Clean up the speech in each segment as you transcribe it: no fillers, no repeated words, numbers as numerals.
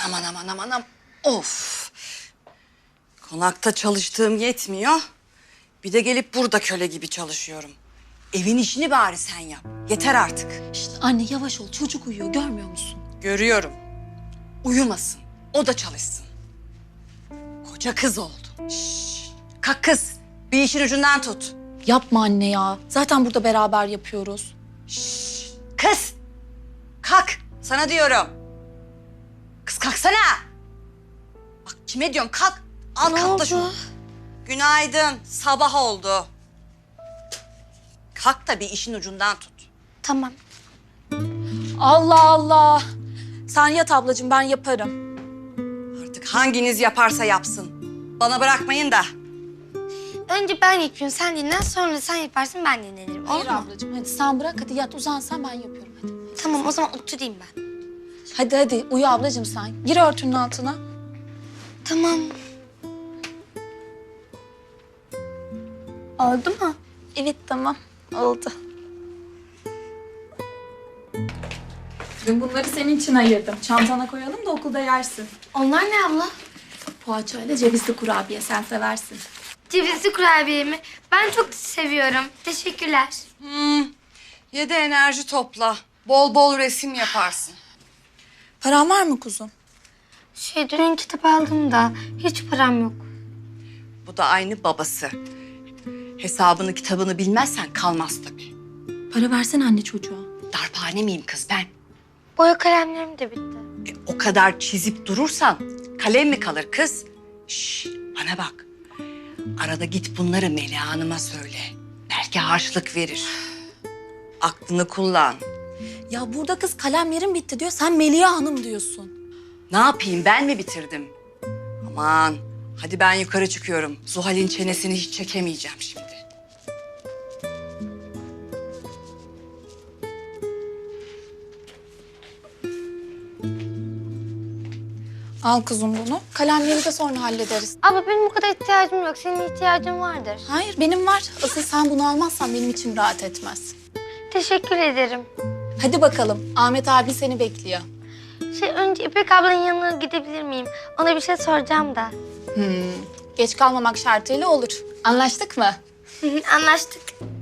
aman aman aman aman. Of. Konakta çalıştığım yetmiyor. Bir de gelip burada köle gibi çalışıyorum. Evin işini bari sen yap. Yeter artık. İşte anne yavaş ol, çocuk uyuyor, görmüyor musun? Görüyorum. Uyumasın. O da çalışsın. Koca kız oldu. Şşş. Kalk kız. Bir işin ucundan tut. Yapma anne ya. Zaten burada beraber yapıyoruz. Şşş. Kız. Kalk. Sana diyorum. Kız kalksana. Bak kime diyorum kalk. Al katla şunu. Günaydın. Sabah oldu. Kalk da bir işin ucundan tut. Tamam. Allah Allah. Sen yat ablacığım, ben yaparım. Artık hanginiz yaparsa yapsın. Bana bırakmayın da. Önce ben yapayım, sen dinlen. Sonra sen yaparsın, ben dinlenirim. Olur Hayır mu? ablacığım, hadi sen bırak, hadi yat uzan sen, ben yapıyorum hadi. Tamam, o zaman oturayım ben. Hadi uyu ablacığım sen. Gir örtünün altına. Tamam. Oldu mu? Evet tamam, oldu. Dün bunları senin için ayırdım. Çantana koyalım da okulda yersin. Onlar ne abla? Poğaçayla cevizli kurabiye, sen seversin. Cevizli kurabiye mi? Ben çok seviyorum. Teşekkürler. Ye de enerji topla. Bol bol resim yaparsın. Paran var mı kuzum? Dün kitap aldım da hiç param yok. Bu da aynı babası. Hesabını kitabını bilmezsen kalmaz tabii. Para versene anne çocuğa. Darphane miyim kız ben? Boya kalemlerim de bitti. O kadar çizip durursan kalem mi kalır kız? Şş, bana bak. Arada git bunları Meliha Hanım'a söyle. Belki harçlık verir. Aklını kullan. Ya burada kız kalemlerim bitti diyor, sen Meliha Hanım diyorsun. Ne yapayım ben mi bitirdim? Aman hadi ben yukarı çıkıyorum. Zuhal'in çenesini hiç çekemeyeceğim şimdi. Al kuzum bunu. Kalemleri de sonra hallederiz. Abla benim bu kadar ihtiyacım yok. Senin ihtiyacın vardır. Hayır benim var. Asıl sen bunu almazsan benim içim rahat etmez. Teşekkür ederim. Hadi bakalım. Ahmet abi seni bekliyor. Önce İpek ablanın yanına gidebilir miyim? Ona bir şey soracağım da. Geç kalmamak şartıyla olur. Anlaştık mı? Anlaştık.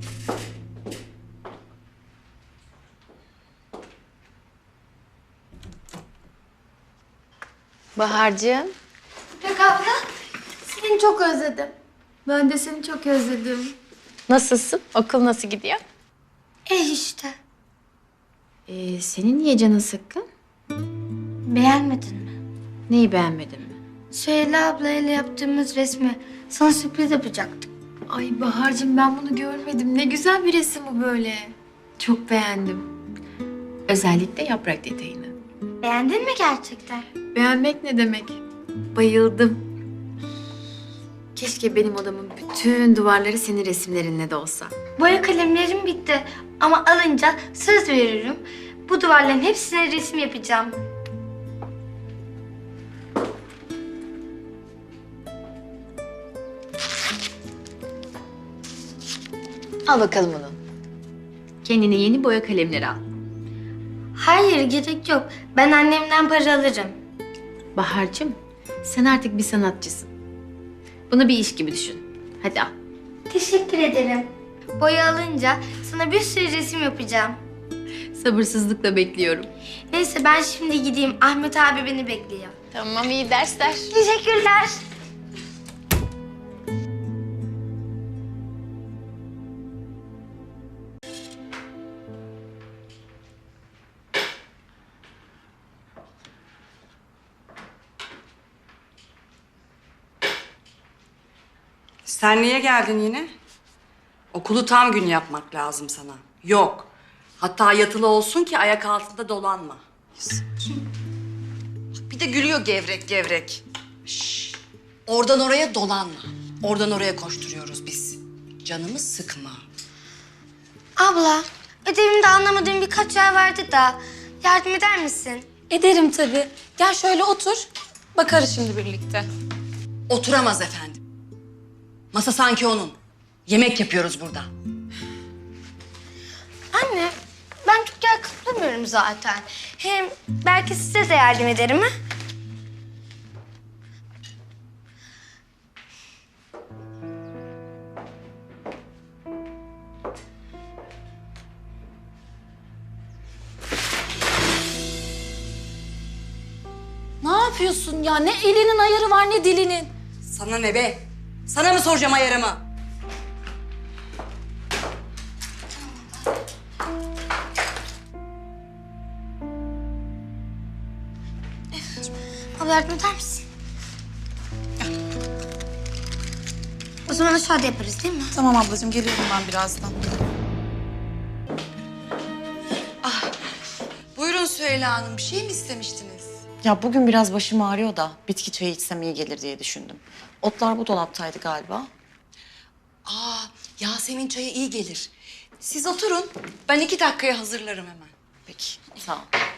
Bahar'cığım. İpek abla, seni çok özledim. Ben de seni çok özledim. Nasılsın? Okul nasıl gidiyor? İşte. Senin niye canın sıkkın? Beğenmedin mi? Neyi beğenmedin mi? Süheyla ablayla yaptığımız resmi sana sürpriz yapacaktık. Ay Bahar'cığım ben bunu görmedim. Ne güzel bir resim bu böyle. Çok beğendim. Özellikle yaprak detayını. Beğendin mi gerçekten? Beğenmek ne demek? Bayıldım. Keşke benim odamın bütün duvarları senin resimlerinle de olsa. Boya kalemlerim bitti ama alınca söz veririm. Bu duvarların hepsine resim yapacağım. Al bakalım onu. Kendine yeni boya kalemleri al. Hayır, gerek yok. Ben annemden para alırım. Bahar'cığım sen artık bir sanatçısın. Bunu bir iş gibi düşün. Hadi al. Teşekkür ederim. Boya alınca sana bir sürü resim yapacağım. Sabırsızlıkla bekliyorum. Neyse ben şimdi gideyim. Ahmet abi beni bekliyor. Tamam iyi dersler. Teşekkürler. Sen niye geldin yine? Okulu tam gün yapmak lazım sana. Yok. Hatta yatılı olsun ki ayak altında dolanma. Bir de gülüyor gevrek gevrek. Şş, oradan oraya dolanma. Oradan oraya koşturuyoruz biz. Canımı sıkma. Abla, ödevimde anlamadığım birkaç yer vardı da yardım eder misin? Ederim tabii. Gel şöyle otur. Bakarız şimdi birlikte. Oturamaz efendim. Masa sanki onun. Yemek yapıyoruz burada. Anne, ben çok yer kaplamıyorum zaten. Hem belki size de yardım ederim ha? yapıyorsun ya? Ne elinin ayarı var ne dilinin. Sana ne be? Sana mı soracağım ayarımı? Abla yardım eder misin? O zaman aşağıda yaparız değil mi? Tamam ablacığım, geliyorum ben birazdan. Buyurun Süheyla Hanım, bir şey mi istemiştiniz? Ya bugün biraz başım ağrıyor da bitki çayı içsem iyi gelir diye düşündüm. Otlar bu dolaptaydı galiba. Yasemin çayı iyi gelir. Siz oturun, ben 2 dakikaya hazırlarım hemen. Peki, sağ ol.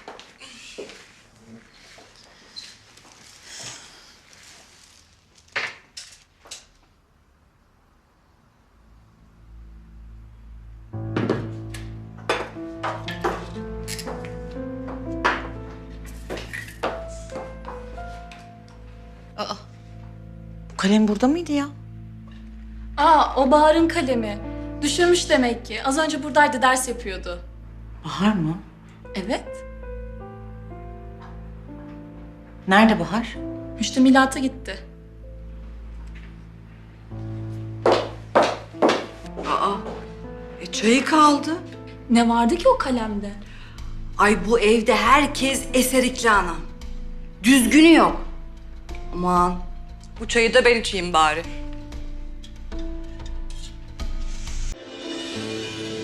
Bu kalem burada mıydı ya? O Bahar'ın kalemi. Düşürmüş demek ki. Az önce buradaydı, ders yapıyordu. Bahar mı? Evet. Nerede Bahar? Müştemilata gitti. Çayı kaldı. Ne vardı ki o kalemde? Ay bu evde herkes eserikli anam. Düzgünü yok. Aman bu çayı da ben içeyim bari.